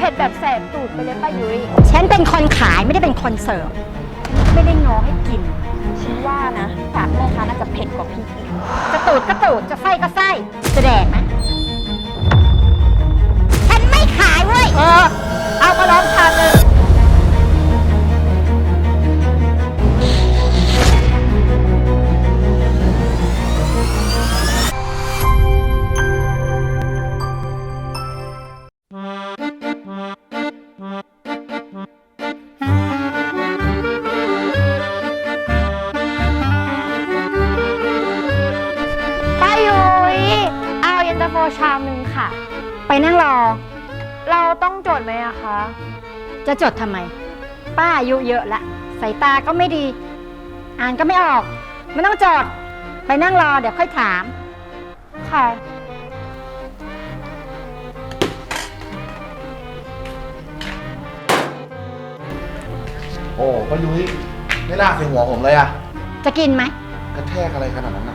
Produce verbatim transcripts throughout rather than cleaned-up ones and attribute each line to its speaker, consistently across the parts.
Speaker 1: ผ็ดแบบแสบตูดไปเลยป้ายุ้ย
Speaker 2: ฉันเป็นคนขายไม่ได้เป็นคนเสิร์ฟไม่ได้ง้อให้กิน
Speaker 1: ฉันว่านะปากแม่ค้าน่าจะเผ็ดกว่าพี่อีก
Speaker 2: จะตูดก็ตูดจะไส้ก็ไส้จะแดกไหมฉันไม่ขายเว้ย
Speaker 1: เออ เอามาลองทานเลย ป้ายุ้ยเอาเย็นตาโฟชามหนึ่งค่ะ
Speaker 2: ไปนั่งรอ
Speaker 1: เราต้องจดไหมอะคะ
Speaker 2: จะจดทำไม ป้าอายุเยอะละสายตาก็ไม่ดี อ่านก็ไม่ออกไม่ต้องจด ไปนั่งรอเดี๋ยวค่อยถาม
Speaker 1: ค่ะ
Speaker 3: โอ้ป้ายุ้ยไม่น่าใส่หัวผมเลยอะ
Speaker 2: จะกินไหม
Speaker 3: กระแทกอะไรขนาดนั้นอะ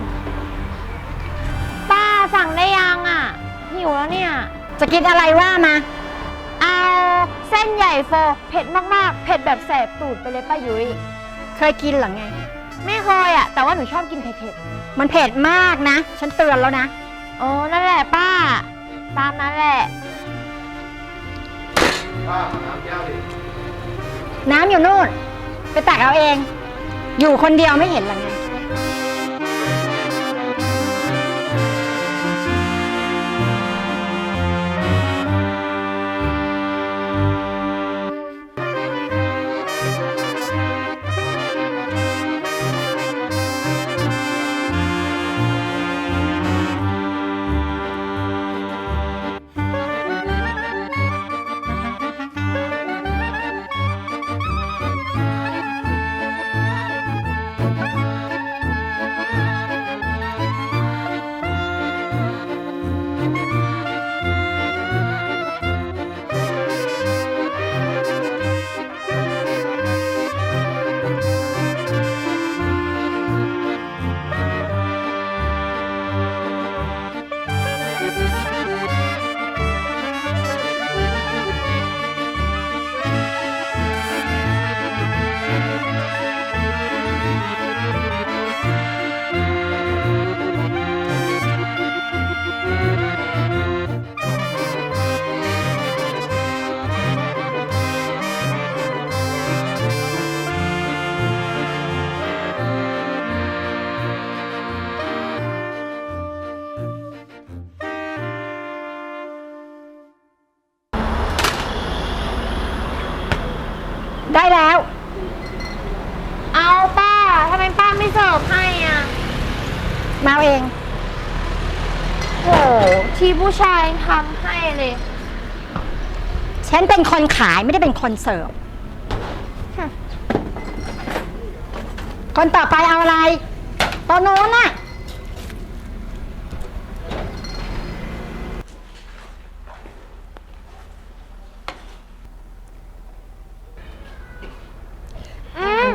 Speaker 1: ป้าสั่งได้ยังอะหิวแล้วเนี่ย
Speaker 2: จะกินอะไรว่ามา
Speaker 1: เอาเส้นใหญ่โฟเผ็ดมากๆ เผ็ดแบบแสบตูดไปเลยป้ายุ้ย
Speaker 2: เคยกินเหรอไง
Speaker 1: ไม่เคยอะแต่ว่าหนูชอบกินเผ็ด
Speaker 2: มันเผ็ดมากนะ ฉันเตือนแล้วนะ
Speaker 1: ๆโอ้นั่นแหละป้า ตามนั้นแหละ
Speaker 3: ป้าน้ำแก้วดิ
Speaker 2: น้ำอยู่นู่น ไปตักเอาเอง อยู่คนเดียวไม่เห็นเหรอไง ได้แล้ว
Speaker 1: เอาป้าทำไมป้าไม่เสิร์ฟให้อ่ะ
Speaker 2: มาเอาเอง
Speaker 1: โหที่ผู้ชายทำให้เลย
Speaker 2: ฉันเป็นคนขายไม่ได้เป็นคนเสิร์ฟ คนต่อไปเอาอะไรโตัวโน้นน่ะ
Speaker 1: อืม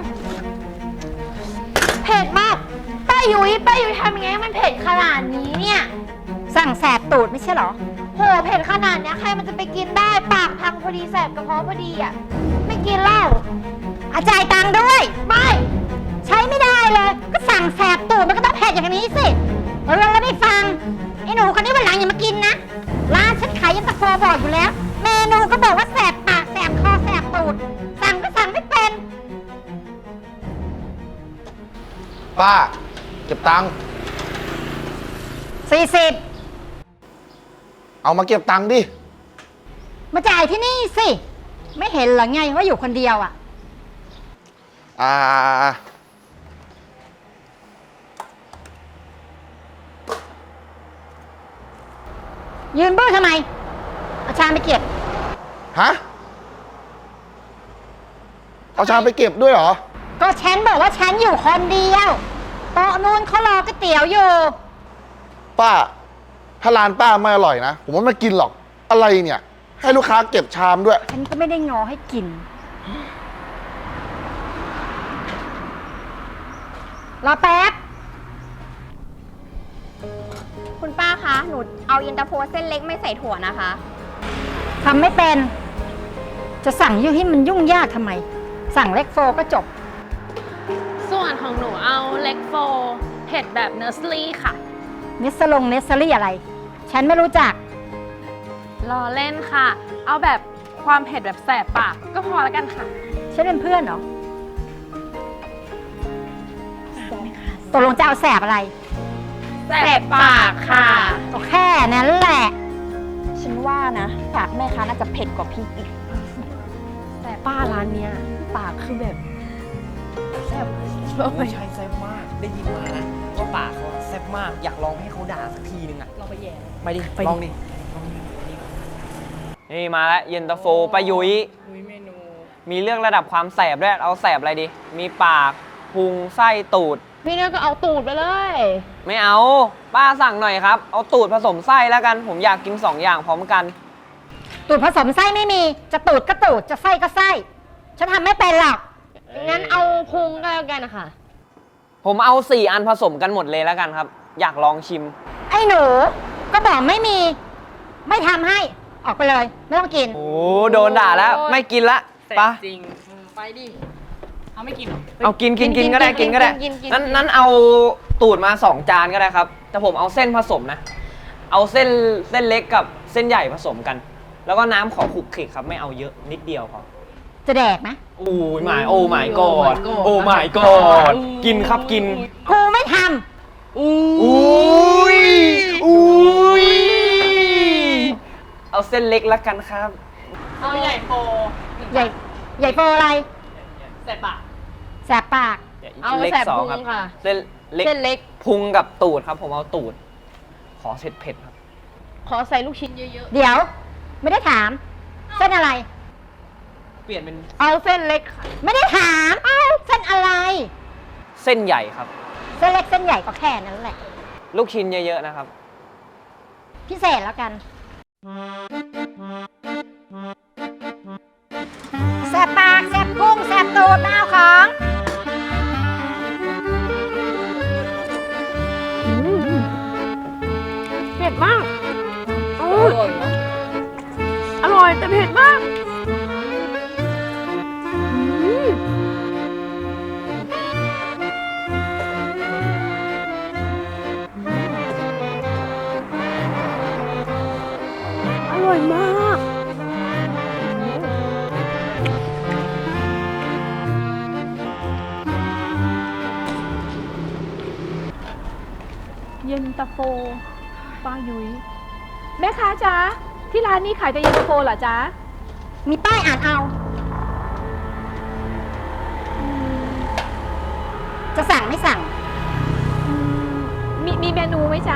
Speaker 1: เผ็ดมาก ป้ายุ้ยป้ายุ้ยทำยังไงให้มันเผ็ดขนาดนี้เนี่ย
Speaker 2: สั่งแสบตูดไม่ใช่เหรอ
Speaker 1: โหเผ็ดขนาดเนี้ยใครมันจะไปกินได้ปากพังพอดีแสบกระเพาะพอดีอ่ะ ไม่กินเหล้า
Speaker 2: อาจ่ายตังค์ด้วย
Speaker 1: ไม่
Speaker 2: ใช้ไม่ได้เลย ก็สั่งแสบตูดมันก็ต้องเผ็ดอย่างนี้สิเออแล้วไม่ฟัง ไอ้หนูคนนี้วันหลังอย่ามากินนะ ร้านฉันขายยันตะโฟบอกอยู่แล้ว เมนูก็บอกว่าแสบปากแสบคอแสบตูด สั่งก็สั่งไม่เป็น
Speaker 3: ป้าเก็บตังค์
Speaker 2: สี่สิบ
Speaker 3: เอามาเก็บตังค์ดิ
Speaker 2: มาจ่ายที่นี่สิ ไม่เห็นเหรอไงว่าอยู่คนเดียวอ่ะ
Speaker 3: อ่า
Speaker 2: ยืนบื้อทำไม เอาชามไปเก็บ
Speaker 3: ฮะ เอาชามไปเก็บด้วยเหรอ
Speaker 2: ก็ฉันบอกว่าฉันอยู่คนเดียวโต๊ะนู้นเขารอก๋วยเตี๋ยวอยู่
Speaker 3: ป้า ถ้าร้านป้าไม่อร่อยนะ ผมว่าไม่กินหรอก อะไรเนี่ย ให้ลูกค้าเก็บชามด้วย
Speaker 2: ฉันก็ไม่ได้งอให้กิน รอแป๊บ
Speaker 1: คุณป้าคะ หนูเอาเย็นตาโฟเส้นเล็กไม่ใส่ถั่วนะคะ
Speaker 2: ทำไม่เป็น จะสั่งยุ่งให้มันยุ่งยากทำไม สั่งเล็กโฟก็จบ
Speaker 4: ส่วนของหนูเอาเล็กโฟเผ็ดแบบเนอร์สลี่ค่ะ
Speaker 2: เนสลงเนสซอรี่อะไร ฉันไม่รู้จัก
Speaker 4: รอเล่นค่ะ เอาแบบความเผ็ดแบบแสบปากก็พอแล้วกันค่ะ
Speaker 2: ฉันเป็นเพื่อนเหรอตกลงจะเอาแสบอะไร
Speaker 4: แสบปากค่ะ
Speaker 2: ก็แค่นั้นแหละ
Speaker 1: ฉันว่านะปากแม่ค้าน่าจะเผ็ดกว่าพี่อีก
Speaker 4: แต่ป้าร้านเนี้ยปากคือแบบแสบ
Speaker 5: ไม่ใช่แซ่บมาก ได้ยินมานะว่าปากเขาแซ่บมาก อยากลองให้เขาด่าสักทีนึงอะ
Speaker 4: เราไปแย่
Speaker 5: ไปดิ ลองดิ นี่มาแล้วเย็นตาโฟป้ายุ้ยมีเรื่องระดับความแสบด้วย เอาแสบอะไรดี มีปาก พุง ไส้ ตูด
Speaker 4: พี่เนี่ยก็เอาตูดไปเลย
Speaker 5: ไม่เอา ป้าสั่งหน่อยครับ เอาตูดผสมไส้แล้วกัน ผมอยากกินสองอย่างพร้อมกัน
Speaker 2: ตูดผสมไส้ไม่มี จะตูดก็ตูด จะไส้ก็ไส้ ฉันทำไม่เป็นหรอก
Speaker 4: งั้นเอาพุงก็แล้วกันนะคะ
Speaker 5: ผมเอาสี่อันผสมกันหมดเลยแล้วกันครับ อยากลองชิม
Speaker 2: ไอ้หนู ก็บอกไม่มี ไม่ทำให้ ออกไปเลย ไม่ต้องกิน
Speaker 5: โอ้โดนด่าแล้ว ไม่กินละปะ
Speaker 4: จริง ไปดิ เอาไม่กินหรอ
Speaker 5: เอากินกินกินก็ได้กินก็ได้
Speaker 4: กินกิน
Speaker 5: นั้นนั้นเอาตูดมาสองจานก็ได้ครับ แต่ผมเอาเส้นผสมนะ เอาเส้นเส้นเล็กกับเส้นใหญ่ผสมกัน แล้วก็น้ำขอขลุกขลิกครับ ไม่เอาเยอะนิดเดียวพอ
Speaker 2: จะแดกไหม
Speaker 5: โอ้ยหมายโอ้หมายกอดโอ้หมายกอดกินครับกิน
Speaker 2: กูไม่ท
Speaker 5: อุ้ยอุ้ยเอาเส้นเล็กละกันครับ
Speaker 4: เอาใหญ่โฟ
Speaker 2: ำใหญ่ ใหญ่โฟอะไร
Speaker 4: แสบปาก
Speaker 2: แสบปาก
Speaker 4: เอา
Speaker 5: เล็ก
Speaker 4: แสบ
Speaker 5: สอง
Speaker 4: พุง
Speaker 5: ครับ
Speaker 4: ค่ะ
Speaker 5: เส้นเล็ก
Speaker 4: เส้นเล็ก
Speaker 5: พุงกับตูดครับ ผมเอาตูด ขอเผ็ดเผ็ดๆครับ
Speaker 4: ขอใส่ลูกชิ้นเยอะ
Speaker 2: เดี๋ยว ไม่ได้ถาม เส้นอะไร
Speaker 5: เปลี่ยนเป็น
Speaker 4: ๆ เอาเส้นเล็กค่ะ
Speaker 2: ไม่ได้ถาม เอ้าเส้นอะไร
Speaker 5: เส้นใหญ่ครับ
Speaker 2: เส้นเล็กเส้นใหญ่ก็แค่นั้นแหละ
Speaker 5: ลูกชิ้นเยอะๆนะครับ
Speaker 2: พิเศษแล้วกัน แสบปาก แสบพุงแสบตูดมาเอาของ
Speaker 4: เผ็ดมากอร่อยอร่อยแต่เผ็ดมากอืมอร่อยมาก
Speaker 6: เย็นตาโฟป้ายุ้ยแม่ค้าจ๊ะที่ร้านนี้ขายแต่เย็นตาโฟเหรอจ๊ะ
Speaker 2: มีป้ายอ่านเอา จะสั่งไม่สั่ง
Speaker 6: อืมมีมีเมนูไหมจ๊ะ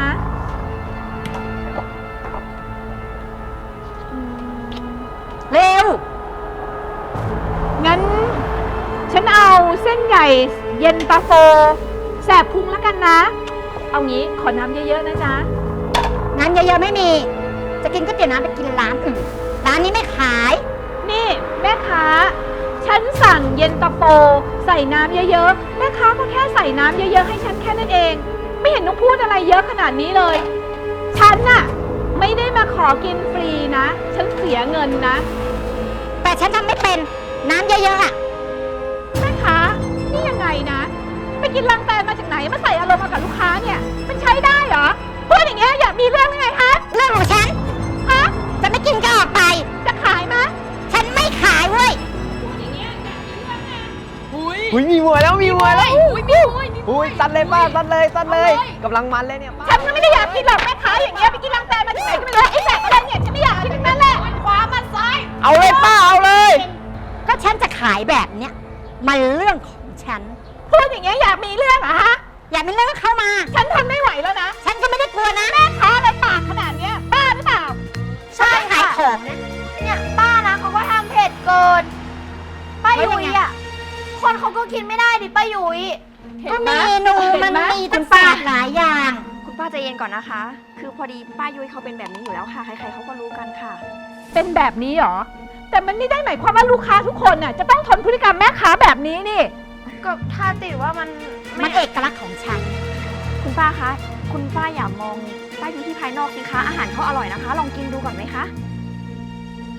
Speaker 6: อืม
Speaker 2: เร็ว
Speaker 6: งั้น ฉันเอาเส้นใหญ่เย็นตาโฟแสบพุงแล้วกันนะ เอางี้ขอน้ำเยอะๆนะจ๊ะ
Speaker 2: น้ำเยอะๆไม่มี จะกินก๋วยเตี๋ยวน้ำไปกินร้านอื่น ร้านนี้ไม่ขาย
Speaker 6: นี่แม่ค้า ฉันสั่งเย็นตาโฟใส่น้ำเยอะๆ แม่ค้าก็แค่ใส่น้ำเยอะๆให้ฉันแค่นั้นเอง ไม่เห็นต้องพูดอะไรเยอะขนาดนี้เลย ฉันน่ะไม่ได้มาขอกินฟรีนะ ฉันเสียเงินนะ
Speaker 2: แต่ฉันทำไม่เป็น น้ำเยอะๆอ่ะ
Speaker 6: แม่ค้านี่ยังไงนะ ไปกินลังแตนมาจากไหนมาใส่อารมณ์มากับลูกค้าเนี่ย มันใช้ได้เหรอ พูดอย่างเงี้ยอยากมีเรื่องยังไงฮะ
Speaker 2: เรื่องของฉัน
Speaker 6: ฮะ
Speaker 2: จะไม่กินก็ออกไป
Speaker 6: จะขายมะ
Speaker 2: ฉันไม่ขายเว้ย
Speaker 6: พูดอย่างเงี้ยอยากมีเรื่องไง
Speaker 4: อุ้ย
Speaker 5: อุ้ยมีมวยแล้วมีมวยแล้ว
Speaker 4: อุ้ยมีอุ้ยมี
Speaker 5: อุ้ยซัดเลยป้าซัดเลยซัดเลยกำลังมันเลยเนี่ยป้า
Speaker 6: ฉันก็ไม่ได้อยากกินหรอกแม่ค้าอย่างเงี้ยไปกินลังแตนมาจากไหนก็ไม่รู้ไอ้แสบอะไรเนี่ยฉันไม่อยากกินทั้งนั้นแหละขวามาซ้าย
Speaker 5: เอาเลยป้าเอาเลย
Speaker 2: ก็ฉันจะขายแบบเนี้ย มันเรื่องของฉัน
Speaker 6: พูดอย่างเงี้ยอยากมีเรื่องเหรอฮะ
Speaker 2: อย่าไปเลิกเข้ามา
Speaker 6: ฉันทนไม่ไหวแล้วนะ
Speaker 2: ฉันก็ไม่ได้กลัวนะ
Speaker 6: แม่ค้าอะไรปากขนาดเนี้ยบ้าหรือเปล่า
Speaker 2: ใช่ขายของนะ
Speaker 1: เนี่ยป้านะเขาก็ทำเผ็ดเกิน ป้ายุยอ่ะ คนเขาก็กินไม่ได้ดิป้ายุย
Speaker 2: ก็เมนูมันมีตั้งแปดหลายอย่าง
Speaker 7: คุณป้าใจเย็นก่อนนะคะ คือพอดีป้ายุ้ยเขาเป็นแบบนี้อยู่แล้วค่ะ ใครๆเขาก็รู้กันค่ะ
Speaker 6: เป็นแบบนี้เหรอ แต่มันไม่ได้หมายความว่าลูกค้าทุกคนน่ะจะต้องทนพฤติกรรมแม่ค้าแบบนี้นี่
Speaker 1: ก็ถ้าติดว่ามัน
Speaker 2: มันเอกลักษณ์ของฉัน
Speaker 7: คุณป้าคะ คุณป้าอย่ามองป้ายุ้ยที่ภายนอกสิคะ อาหารเขาอร่อยนะคะ ลองกินดูก่อนไหมคะ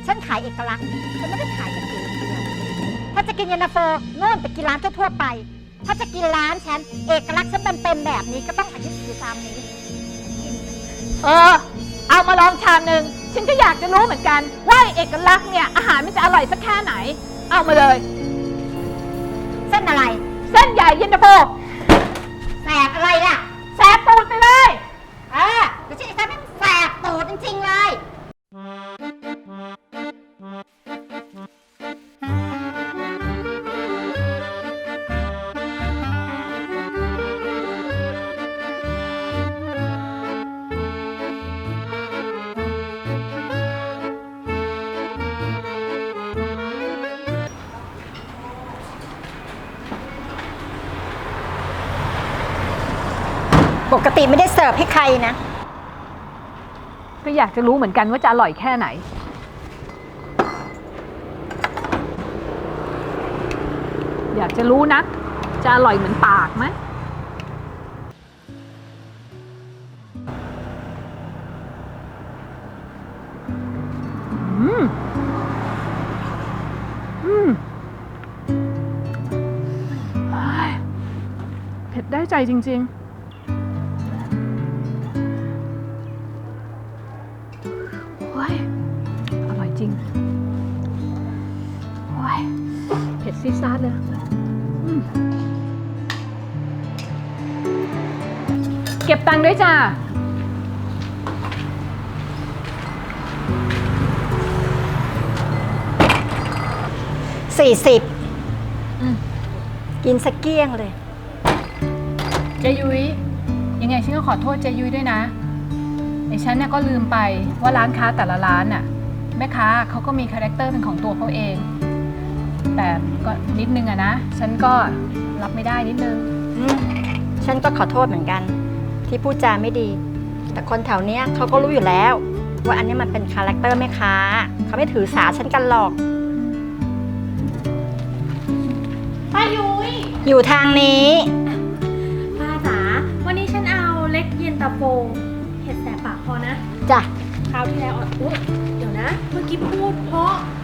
Speaker 2: ฉันขายเอกลักษณ์ฉันไม่ได้ขายกางเกงเดียวถ้าจะกินเย็นตาโฟโน่นไปกินร้านทั่วๆไป ถ้าจะกินร้านฉันเอกลักษณ์ฉันเป็นๆแบบนี้ก็ต้องอายุถือตามนี้
Speaker 6: เออ เอามาลองชามหนึ่งฉันก็อยากจะรู้เหมือนกัน ว่าเอกลักษณ์เนี่ยอาหารมันจะอร่อยสักแค่ไหน เอามาเลย
Speaker 2: เส้นอะไร
Speaker 6: เส้นใหญ่เย็นตาโฟ
Speaker 2: แสบอะไรล่ะ
Speaker 6: แสบปูดไปเลย
Speaker 2: เออเดี๋ยวฉันจะทำให้มันแสบตูดจริงๆเลย ปกติไม่ได้เสิร์ฟให้ใครนะ
Speaker 6: ก็อยากจะรู้เหมือนกันว่าจะอร่อยแค่ไหน อยากจะรู้นะ จะอร่อยเหมือนปากไหมอืม อืมเฮ้ยเผ็ดได้ใจจริง ๆ โอ้ย อร่อยจริง โอ้ย เผ็ดซีดซาดเลยอืมเก็บตังค์ด้วยจ้า
Speaker 2: สี่สิบ
Speaker 6: อืม
Speaker 2: กินสักเกี้ยงเลย
Speaker 6: เจยุ้ยยังไงฉันก็ขอโทษเจยุ้ยด้วยนะไอ้ฉันน่ะก็ลืมไปว่าร้านค้าแต่ละร้านน่ะแม่ค้าเขาก็มีคาแรคเตอร์เป็นของตัวเขาเอง แต่ก็นิดนึงอะนะฉันก็รับไม่ได้นิดนึง
Speaker 2: อืมฉันก็ขอโทษเหมือนกัน ที่พูดจาไม่ดี แต่คนแถวเนี้ยเขาก็รู้อยู่แล้ว ว่าอันนี้มันเป็นคาแรคเตอร์แม่ค้าเขาไม่ถือสาฉันกันหรอก
Speaker 1: ป้ายุ้ย
Speaker 2: อยู่ทางนี้
Speaker 1: ป้าจ๋า วันนี้ฉันเอาเล็กเย็นตาโฟเห็ดแสบปากพอนะ
Speaker 2: จ้ะ
Speaker 1: คราวที่แล้วอ่ะอุ๊ยเดี๋ยวนะ เมื่อกี้พูดเพราะ